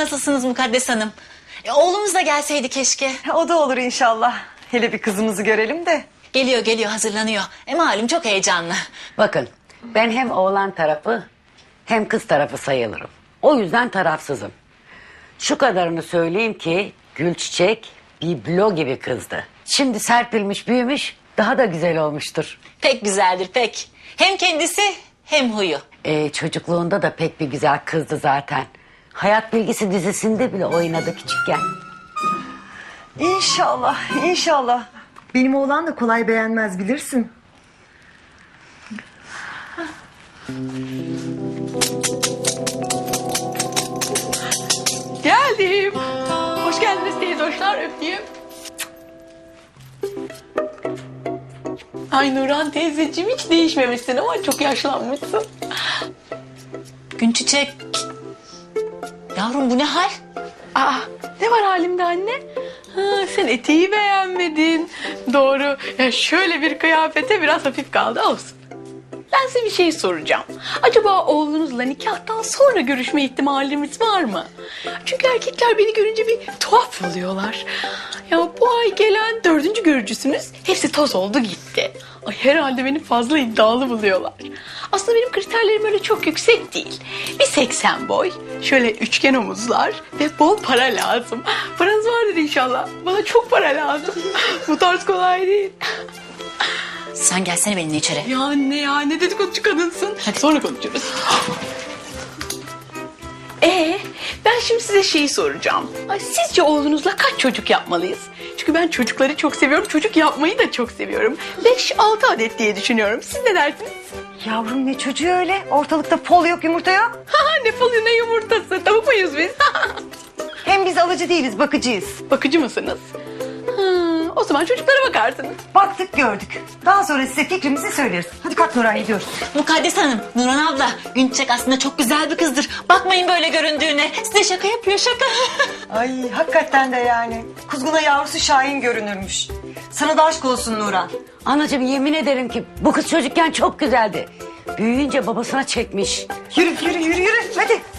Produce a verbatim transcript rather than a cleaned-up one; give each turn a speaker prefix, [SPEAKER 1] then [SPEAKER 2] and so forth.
[SPEAKER 1] nasılsınız Mukaddes Hanım? E, oğlumuz da gelseydi keşke.
[SPEAKER 2] O da olur inşallah. Hele bir kızımızı görelim de.
[SPEAKER 1] Geliyor geliyor hazırlanıyor. E malum çok heyecanlı.
[SPEAKER 3] Bakın ben hem oğlan tarafı hem kız tarafı sayılırım. O yüzden tarafsızım. Şu kadarını söyleyeyim ki Gülçiçek biblo gibi kızdı. Şimdi serpilmiş büyümüş daha da güzel olmuştur.
[SPEAKER 1] Pek güzeldir pek. Hem kendisi hem huyu.
[SPEAKER 3] Ee, çocukluğunda da pek bir güzel kızdı zaten. Hayat Bilgisi dizisinde bile oynadı küçükken.
[SPEAKER 2] İnşallah, inşallah. Benim oğlan da kolay beğenmez bilirsin.
[SPEAKER 4] Geldim. Hoş geldiniz teyze hoşlar öpeyim. Ay Nurhan teyzeciğim hiç değişmemişsin ama çok yaşlanmışsın.
[SPEAKER 1] Günçiçek. Yavrum bu ne hal?
[SPEAKER 4] Aa, ne var halimde anne? Ha, sen eteği beğenmedin. Doğru. Ya şöyle bir kıyafete biraz hafif kaldı olsun. Ben size bir şey soracağım. Acaba oğlunuzla nikahtan sonra görüşme ihtimalimiz var mı? Çünkü erkekler beni görünce bir tuhaf oluyorlar. Ya bu ay gelen dördüncü görücüsünüz hepsi toz oldu gitti. Ay herhalde beni fazla iddialı buluyorlar. Aslında benim kriterlerim öyle çok yüksek değil. Bir seksen boy, şöyle üçgen omuzlar ve bol para lazım. Paranız vardır inşallah. Bana çok para lazım. Bu tarz kolay değil.
[SPEAKER 1] Sen gelsene benimle içeri.
[SPEAKER 4] Ya anne ya ne dedikoducu kadınsın. Hadi sonra konuşuruz. Ee, ben şimdi size şeyi soracağım. Ay, sizce oğlunuzla kaç çocuk yapmalıyız? Çünkü ben çocukları çok seviyorum. Çocuk yapmayı da çok seviyorum. Beş altı adet diye düşünüyorum. Siz ne dersiniz?
[SPEAKER 2] Yavrum ne çocuğu öyle? Ortalıkta pol yok, yumurta yok.
[SPEAKER 4] Ha, ne falı ne yumurtası. Tavuk muyuz biz?
[SPEAKER 2] Hem biz alıcı değiliz, bakıcıyız.
[SPEAKER 4] Bakıcı mısınız? Ha, o zaman çocuklara bakarsınız.
[SPEAKER 2] Baktık gördük. Daha sonra size fikrimizi söyleriz. Hadi kalk Nurhan gidiyoruz.
[SPEAKER 1] Mukaddes Hanım, Nurhan abla. Günçiçek aslında çok güzel bir kızdır. Bakmayın böyle göründüğüne. Size şaka yapıyor şaka.
[SPEAKER 2] Ay hakikaten de yani. Kuzguna yavrusu Şahin görünürmüş. Sana da aşk olsun Nurhan.
[SPEAKER 3] Anacığım yemin ederim ki bu kız çocukken çok güzeldi. Büyüyünce babasına çekmiş.
[SPEAKER 2] Yürü yürü yürü yürü hadi.